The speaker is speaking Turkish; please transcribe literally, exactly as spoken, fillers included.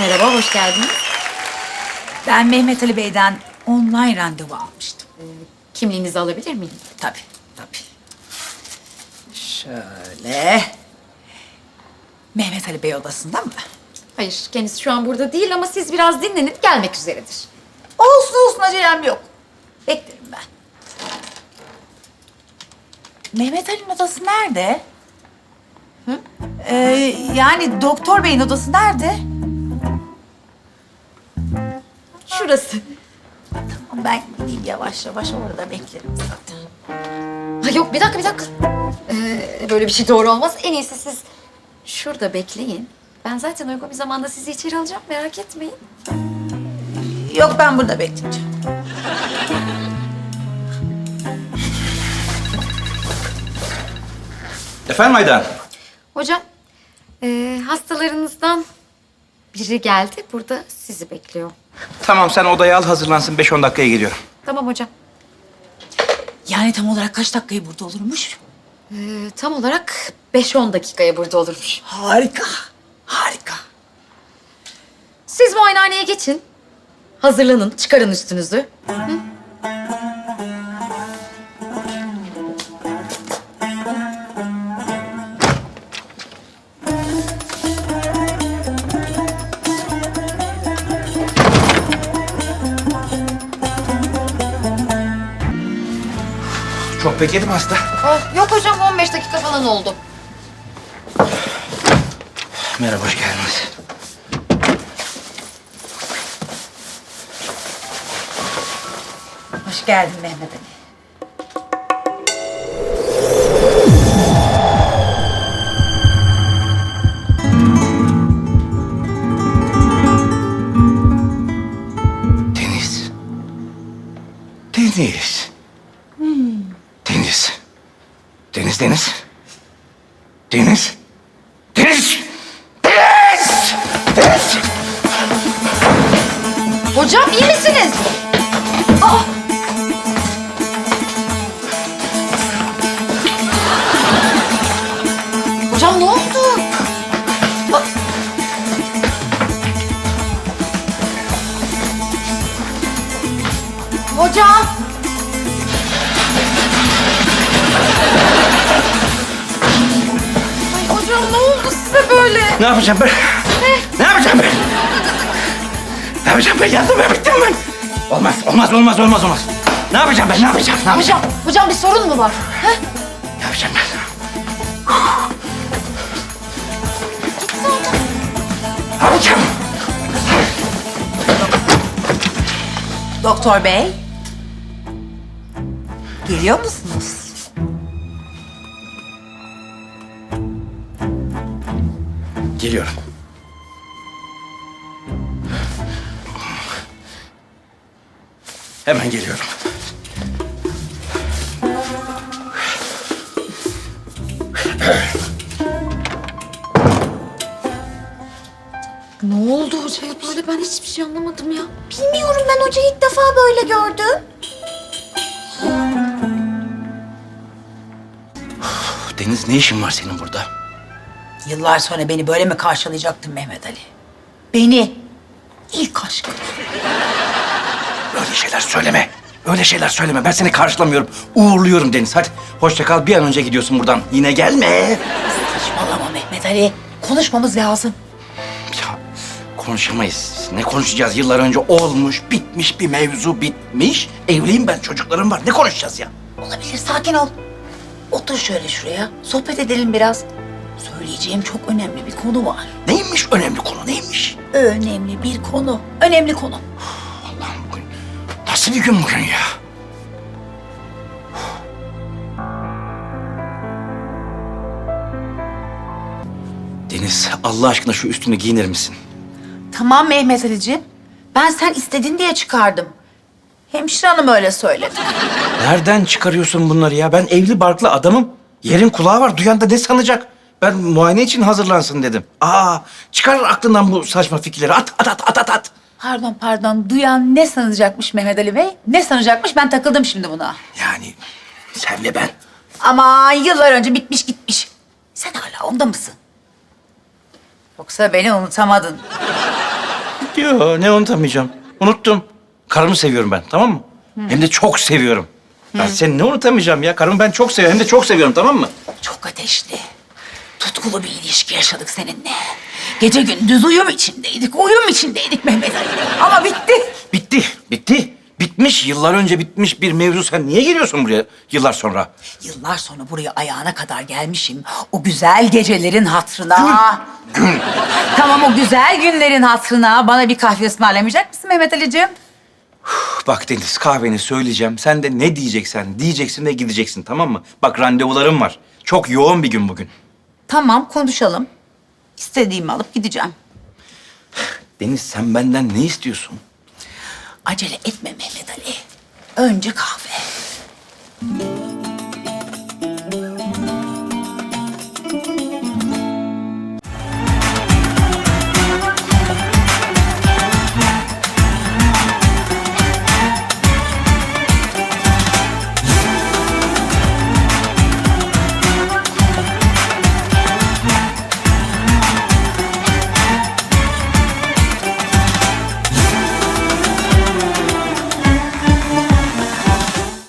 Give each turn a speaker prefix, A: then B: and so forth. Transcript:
A: Merhaba, hoş geldiniz.
B: Ben Mehmet Ali Bey'den online randevu almıştım.
A: Kimliğinizi alabilir miyim?
B: Tabii, tabii. Şöyle. Mehmet Ali Bey odasında mı?
A: Hayır, kendisi şu an burada değil ama siz biraz dinlenip gelmek üzeredir.
B: Olsun olsun, acelem yok. Beklerim ben. Mehmet Ali'nin odası nerede? Hı? Ee, yani doktor beyin odası nerede?
A: Şurası.
B: Tamam, ben gideyim yavaş yavaş, orada beklerim zaten.
A: Ha yok, bir dakika, bir dakika. Ee, böyle bir şey doğru olmaz. En iyisi siz şurada bekleyin. Ben zaten uygun bir zamanda sizi içeri alacağım, merak etmeyin.
B: Yok, ben burada bekleyeceğim.
C: Efendim Aydan?
A: Hocam, ee, hastalarınızdan biri geldi. Burada sizi bekliyor.
C: Tamam, sen odaya al, hazırlansın. Beş on dakikaya geliyorum.
A: Tamam hocam.
B: Yani tam olarak kaç dakikayı burada olurmuş?
A: Ee, tam olarak beş on dakikaya burada olurmuş.
B: Harika, harika.
A: Siz muayenehaneye geçin. Hazırlanın, çıkarın üstünüzü. Hı?
C: Çok bekledim hasta.
A: Oh, yok hocam, on beş dakika falan oldu.
C: Merhaba, hoş geldiniz.
B: Hoş geldin Mehmet Ali.
C: Deniz. Deniz. Deniz. Deniz, Deniz. Deniz. Deniz. Deniz. Deniz.
A: Hocam iyi misiniz? Aa! Hocam ne oldu? Aa! Hocam! Ay hocam ne oldu size böyle?
C: Ne yapacağım ben?
A: Ne?
C: Ne yapacağım ben? Ne yapacağım ben? Yandım ben, bittim ben. Olmaz, olmaz, olmaz, olmaz, olmaz. Ne yapacağım ben? Ne yapacağım? Ne yapacağım?
A: Hocam, hocam bir sorun mu var? Ha?
C: Ne yapacağım ben? Ne yapacağım?
B: Doktor Bey. Geliyor musunuz?
C: Geliyorum. Hemen geliyorum.
A: Ne oldu hocaya böyle? Ben hiçbir şey anlamadım ya.
D: Bilmiyorum, ben hocayı ilk defa böyle gördüm.
C: Deniz, ne işin var senin burada?
B: Yıllar sonra beni böyle mi karşılayacaktın Mehmet Ali? Beni. İlk aşkım.
C: Öyle şeyler söyleme. Öyle şeyler söyleme. Ben seni karşılamıyorum. Uğurluyorum Deniz. Hadi hoşça kal. Bir an önce gidiyorsun buradan. Yine gelme.
B: Saçmalama Mehmet Ali. Konuşmamız lazım.
C: Ya konuşamayız. Ne konuşacağız? Yıllar önce olmuş, bitmiş bir mevzu bitmiş. Evliyim ben, çocuklarım var. Ne konuşacağız ya?
B: Olabilir, sakin ol. Otur şöyle şuraya. Sohbet edelim biraz. Söyleyeceğim çok önemli bir konu var.
C: Neymiş önemli konu? Neymiş?
B: Önemli bir konu. Önemli konu.
C: Allah'ım, bugün nasıl bir gün bugün ya? Deniz, Allah aşkına şu üstünü giyinir misin?
B: Tamam Mehmet Ali'ciğim. Ben sen istedin diye çıkardım. Hemşire hanım öyle söyledi.
C: Nereden çıkarıyorsun bunları ya? Ben evli barklı adamım. Yerin kulağı var. Duyan da ne sanacak? Ben muayene için hazırlansın dedim. Aa, çıkar aklından bu saçma fikirleri. At, at, at, at, at, at.
B: Pardon pardon. Duyan ne sanacakmış Mehmet Ali Bey? Ne sanacakmış? Ben takıldım şimdi buna.
C: Yani senle ben.
B: Ama yıllar önce bitmiş gitmiş. Sen hala onda mısın? Yoksa beni unutamadın.
C: Yo, ne unutamayacağım. Unuttum. Karımı seviyorum ben, tamam mı? Hem de çok seviyorum. Ben seni ne unutamayacağım ya? Karımı ben çok seviyorum. Hem de çok seviyorum, tamam mı?
B: Çok ateşli, tutkulu bir ilişki yaşadık seninle. Gece gündüz uyum içindeydik, uyum içindeydik Mehmet Ali. Ama bitti.
C: Bitti, bitti. Bitmiş, yıllar önce bitmiş bir mevzu. Sen niye geliyorsun buraya yıllar sonra?
B: Yıllar sonra buraya ayağına kadar gelmişim. O güzel gecelerin hatırına.
C: Gün.
B: Tamam, o güzel günlerin hatırına bana bir kahve ısmarlamayacak mısın Mehmet Ali'ciğim?
C: Bak Deniz, kahveni söyleyeceğim. Sen de ne diyeceksen diyeceksin ve gideceksin, tamam mı? Bak randevularım var. Çok yoğun bir gün bugün.
B: Tamam, konuşalım. İstediğimi alıp gideceğim.
C: Deniz, sen benden ne istiyorsun?
B: Acele etme Mehmet Ali. Önce kahve.